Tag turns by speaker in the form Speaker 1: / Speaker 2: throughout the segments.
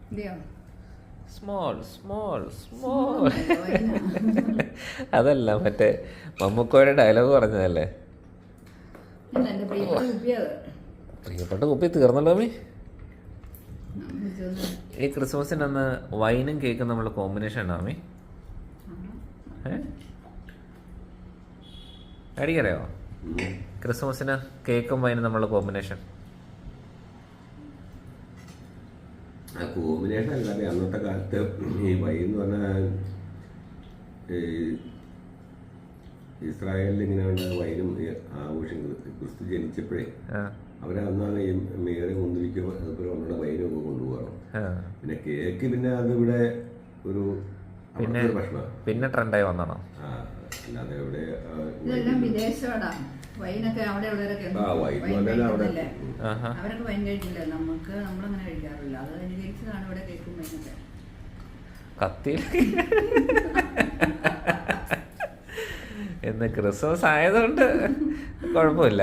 Speaker 1: Small small small. അതല്ല, മറ്റേ മമ്മൂക്കോയുടെ dialogue പറഞ്ഞതല്ലേ. പ്രിയപ്പെട്ട കുപ്പി തീർന്നല്ലോ മീ. ഈ ക്രിസ്മസിന് അന്ന് വൈനും കേക്കും നമ്മൾ കോമ്പിനേഷൻ ഉണ്ടോ മീ? അടിക്കറിയോ ക്രിസ്മസിന് കേക്കും വൈനും നമ്മളുടെ കോമ്പിനേഷൻ?
Speaker 2: കോമ്പിനേഷൻ അല്ലാതെ അന്നത്തെ കാലത്ത് ഈ വൈൻ എന്ന് പറഞ്ഞാൽ ഇസ്രായേലിൽ ഇങ്ങനെ വൈനും ആഘോഷങ്ങൾ ക്രിസ്തു ജനിച്ചപ്പോഴേ അവരന്നാണ് ഈ മേരെ മുന്തിരിക്കും അതുപോലെ ഒന്നുള്ള വൈനും ഒക്കെ കൊണ്ടുപോകണം. പിന്നെ കേക്ക് പിന്നെ അതിവിടെ ഒരു ഭക്ഷണം പിന്നെ
Speaker 1: ട്രെൻഡായി വന്നോ.
Speaker 2: അല്ലാതെ ഇവിടെ
Speaker 3: വൈനൊക്കെ അവിടെ ഉള്ളവരൊക്കെ അവരൊക്കെ വൈൻ കഴിക്കില്ല. നമുക്ക് നമ്മളങ്ങനെ കഴിക്കാറില്ല. അത് അനുകരിച്ചതാണ് ഇവിടെ കേക്കും വൈനൊക്കെ.
Speaker 1: കത്തി എന്ന് ക്രിസ്മസ് ആയതുകൊണ്ട് കുഴപ്പമില്ല.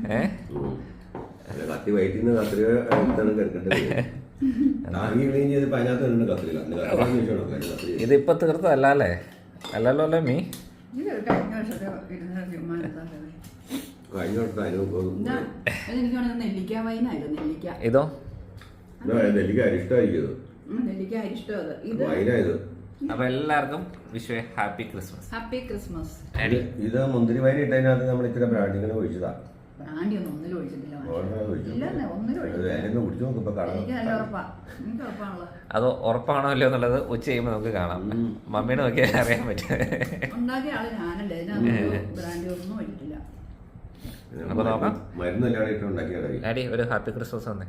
Speaker 2: കത്തി വയറ്റിന്ന് കത്തിരി
Speaker 1: ഇതിപ്പോ തീർത്തല്ലേ? അല്ലല്ലോ അല്ലേ മീ? ഇതോ അപ്പൊ എല്ലാവർക്കും Vishu happy Christmas.
Speaker 3: Happy Christmas.
Speaker 2: ഇത് മുന്തിരി വൈൻ ഇട്ടതിനകത്ത് നമ്മൾ ഇത്ര ബ്രാൻഡിങ്ങനെ ഒഴിച്ചതാ.
Speaker 1: അത് ഉറപ്പാണോ അല്ലയോ എന്നുള്ളത് ഉച്ച കഴിയുമ്പോൾ നമുക്ക് കാണാം. മമ്മീനെ നോക്കിയാൽ അറിയാൻ പറ്റും. അപ്പൊ നോക്കാം. ആടി ഒരു ഹാപ്പി ക്രിസ്മസ് വന്നേ.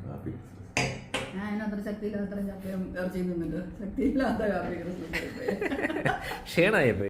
Speaker 1: ക്ഷീണമായി പോയി.